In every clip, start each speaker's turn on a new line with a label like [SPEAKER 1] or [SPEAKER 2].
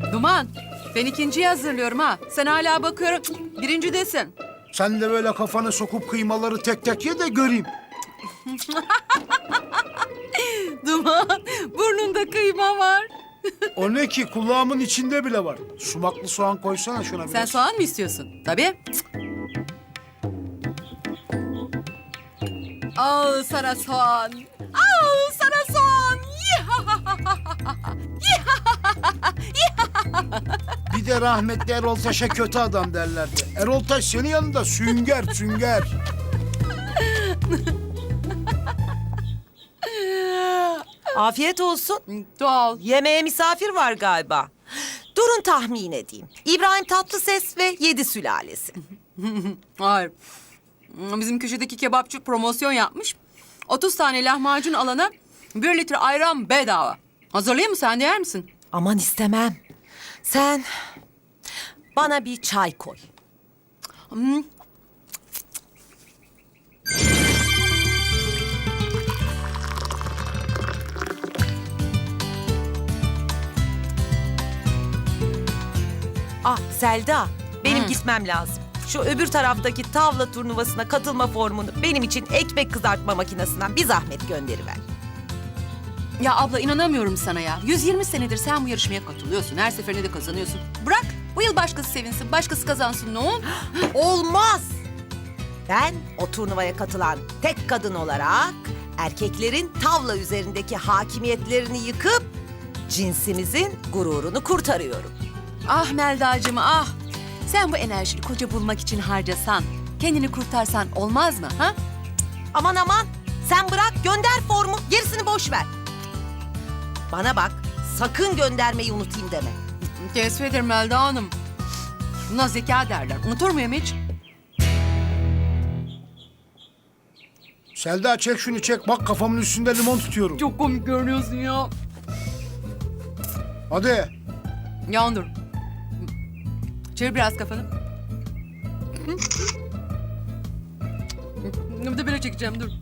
[SPEAKER 1] Duman, ben ikinciyi hazırlıyorum ha. Sen hala bakıyorum, birincidesin.
[SPEAKER 2] Sen de böyle kafanı sokup kıymaları tek tek ye de göreyim.
[SPEAKER 1] Duman, burnunda kıyma var.
[SPEAKER 2] O ne ki? Kulağımın içinde bile var. Sumaklı soğan koysana şuna biraz.
[SPEAKER 1] Sen soğan mı istiyorsun? Tabii. Al sana soğan. Al sana soğan.
[SPEAKER 2] Bir de rahmetli Erol Taş'a kötü adam derlerdi. Erol Taş senin yanında sünger sünger.
[SPEAKER 3] Afiyet olsun.
[SPEAKER 1] Doğal.
[SPEAKER 3] Yemeğe misafir var galiba. Durun tahmin edeyim. İbrahim Tatlıses ve Yedi Sülalesi.
[SPEAKER 1] Hayır. Bizim köşedeki kebapçı promosyon yapmış. 30 tane lahmacun alana 1 litre ayran bedava. Hazırlayayım mı, sen de yer misin?
[SPEAKER 3] Aman istemem. Sen bana bir çay koy. Ah Selda, benim gitmem lazım. Şu öbür taraftaki tavla turnuvasına katılma formunu benim için ekmek kızartma makinesinden bir zahmet gönderiver.
[SPEAKER 1] Ya abla, inanamıyorum sana ya. 120 senedir sen bu yarışmaya katılıyorsun. Her seferinde de kazanıyorsun. Bırak bu yıl başkası sevinsin, başkası kazansın, ne olur?
[SPEAKER 3] Olmaz. Ben o turnuvaya katılan tek kadın olarak erkeklerin tavla üzerindeki hakimiyetlerini yıkıp cinsimizin gururunu kurtarıyorum.
[SPEAKER 1] Ah Melda'cığım ah. Sen bu enerjini koca bulmak için harcasan, kendini kurtarsan olmaz mı ha?
[SPEAKER 3] Aman aman sen bırak gönder formu gerisini boş ver. Bana bak sakın göndermeyi unutayım deme.
[SPEAKER 1] Teessüf ederim Melda Hanım. Buna zeka derler. Unutur muyum hiç?
[SPEAKER 2] Selda çek şunu çek. Bak kafamın üstünde limon tutuyorum.
[SPEAKER 1] Çok komik görünüyorsun ya.
[SPEAKER 2] Hadi.
[SPEAKER 1] Yandır. Çevir biraz kafanı. Bir de böyle çekeceğim, dur.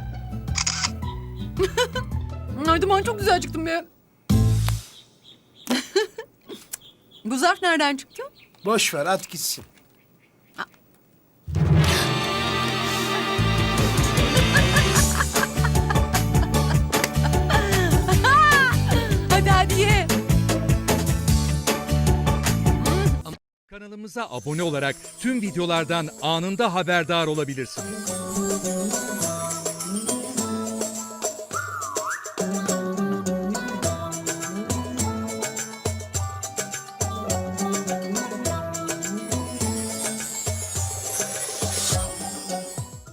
[SPEAKER 1] Ay Duman, çok güzel çıktım be. Bu zarf nereden çıktı?
[SPEAKER 2] Boş ver at gitsin.
[SPEAKER 1] Hadi ye.
[SPEAKER 4] Kanalımıza abone olarak tüm videolardan anında haberdar olabilirsiniz.